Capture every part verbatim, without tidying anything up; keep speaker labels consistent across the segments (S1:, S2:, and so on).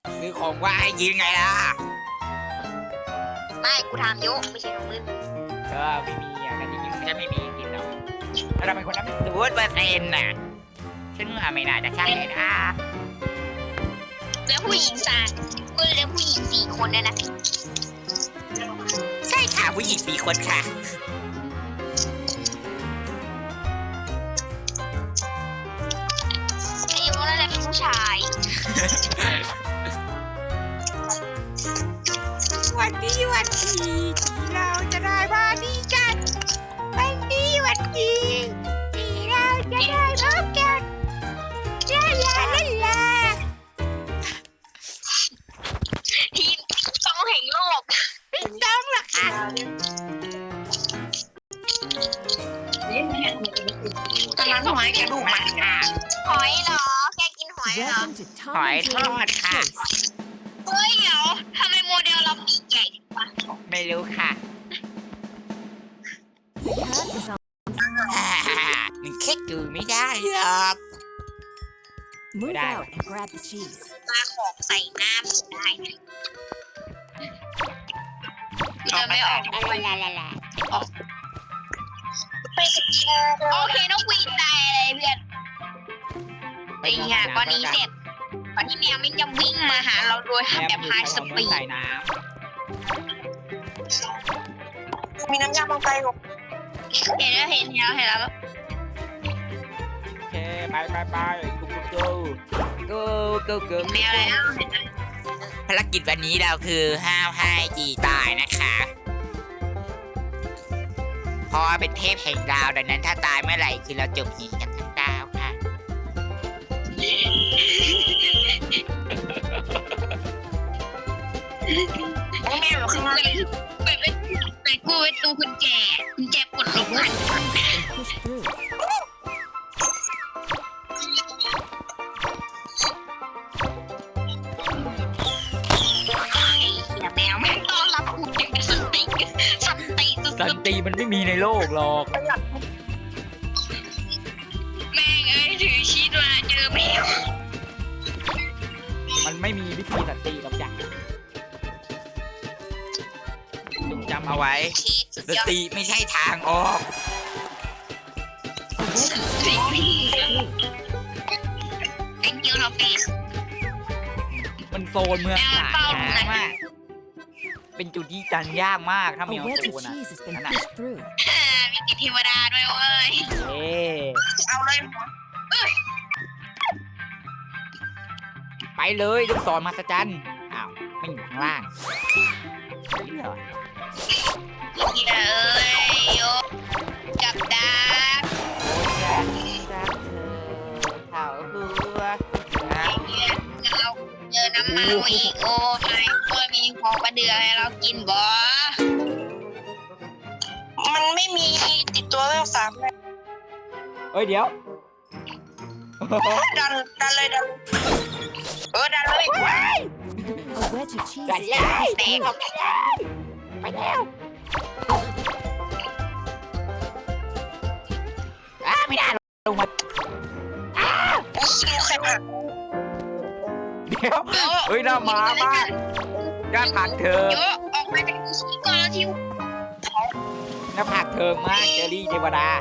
S1: ซื้อของว่าให้กินไงล่ะ
S2: ไม่กูทำยุไม่ใช่ของมึง
S1: ก็ไม่มีอ่ะแต่จริงๆฉันไม่มีกินหรอกถ้าเราเป็นคนนั้นศูนย์เปอร์เซ็นต์น่ะฉันว่าไม่น่าจะใช่นะ
S2: แล้วผู้หญิงสามกูเลี้ยงผู้หญิงสี่คนเนี่ยนะ
S1: ใช่ค่ะผู้หญิงสี่คนค่ะ
S2: อายุนั่นแหละเป็นผู้ชาย
S1: วันนี้วันดีที่เราจะได้มาดีกันวันนี้วันดีที่เราจะได้พบกันลาลาลาลา
S2: ทีมต้องแห่งโลก
S1: ไม่ต้องหรอกค่ะ
S2: ตอนนั้นหอยกระดูกมันค่ะหอยเหรอแกกินหอยเหรอ
S1: หอยทอดค่ะ
S2: เฮ้ยเดี๋ยวทำไมโมเดลเราปีกใหญ่จังวะ
S1: ไม่รู้ค่ะมันแค่ดูไม่ได้หรอก
S3: Move out and grab the cheese.
S2: มาของใส่น้ำได้จะไม่ออก
S1: ลาลาลาลา
S2: ออกโอเคน้องวีนตายอะไรเพื่อนไอ้เหี้ยก่อนนี้เสร็จก่อนที่แมวมันจะวิ่งมาหาเราโดยทำแบบไฮสปีด
S1: ใส่น้
S2: ำมีน้ำยาลงไปหรอเห็นแล้วเห็นแล้วเห็นแล้ว
S1: โอเคไปไปไปกูกูกูกูกู
S2: แมวแล้ว
S1: ภารกิจวันนี้เราคือห้ามให้จีตายนะคะเพราะว่าเป็นเทพแห่งดาวดังนั้นถ้าตายเมื่อไหร่คือเราจบหีกันทั้งดาวค่ะ
S2: แม่บอกคือว่าเป็นเป็นเป็นกูเป็นตูกุญแจกุญแจปลดล็อกหันแมวไม่ต้อนรับคุณอย่างสันติสันติ
S1: สันติมันไม่มีในโลกหรอก
S2: แม่งเอ้ยถือชีสมาเจอแมว
S1: มันไม่มีวิธีสันติหรอกจ้ะจงจำเอาไว้สติไม่ใช่ทางออก
S2: เป็นยูโรเปีย
S1: มันโซนเมืองหลายมากเป็นจุดที่จันยากมากถ้ามีโซนอ่ะนั่น
S2: มีติดเทวดาด้วยเว้ย
S1: เอ๊
S2: เอาเลย
S1: ไปเลยลูกศรมหัศจรรย์อ้าวไม่อยู่ข้างล่างเดี๋ยว
S2: เอ้ยโยกับดาบ
S1: โอ้ยจับจับเธอเข่าหัว
S2: เราเจอน้ำมันอีกโอ้ยก็มีของกระเดือให้เรากินบ่มันไม่มีติดตัวเลขสามเลย
S1: เฮ้ยเดี๋ยว
S2: ดันดันเลยดันเออดันเลย
S1: ดันเลยเตะออกกันเลยไปแล้วอ้าไม่ได้ลงมาอ้าเดี๋ยวเฮ้ยน่ามามากน่าผักเธอ
S2: เยอะออกมาจากที่ก่อนแล้วทิว
S1: น่าผักเธอมากเจอรี่เทวดา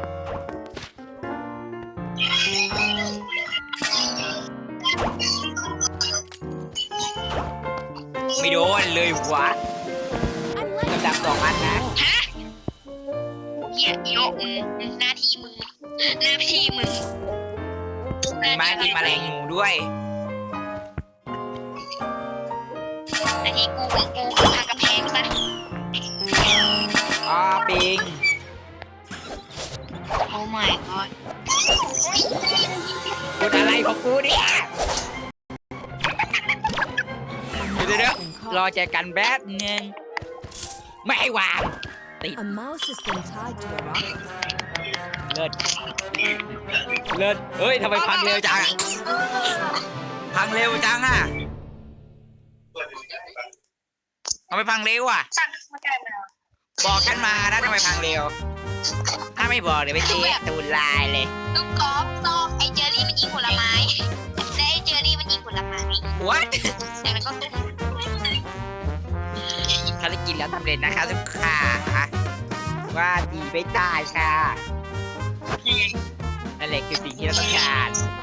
S1: ไม่โดนเลยวะกำลังสองอันนะ
S2: ฮะเหี้ยโยกหน้าที่มึงหน้าที่มึง
S1: มีไม้กินแมลงงูด้วย
S2: หน้าที่กูของกูคือทางกำแพงซะ
S1: อ๋อปิง
S2: โอ้ my god
S1: พูดอะไรของกูเนี่ยเดี๋ยวเดี๋ยวรอใจกันแป๊บนึงไม่ให้วางติดเลิศเลิศเฮ้ยทำไมพังเร็วจังพังเร็วจังอ่ะทำไมพังเร็วอ่ะบอกฉันมานะทำไมพังเร็วถ้าไม่บอกเดี๋ยวไปเจ๊ตูนลายเลย
S2: ลูกกอล์ฟซองไอเจอรี่มันยิงผลไม้และไอเจอรี่มันยิงผผลไม้
S1: วัด
S2: จากนั้นก็ต้ม
S1: ภารกิจแล้วสำเร็จนะคะทุกค่ะว่าดีไม่ได้ค่ะนั่นแหละคือสิ่งที่เราต้องการ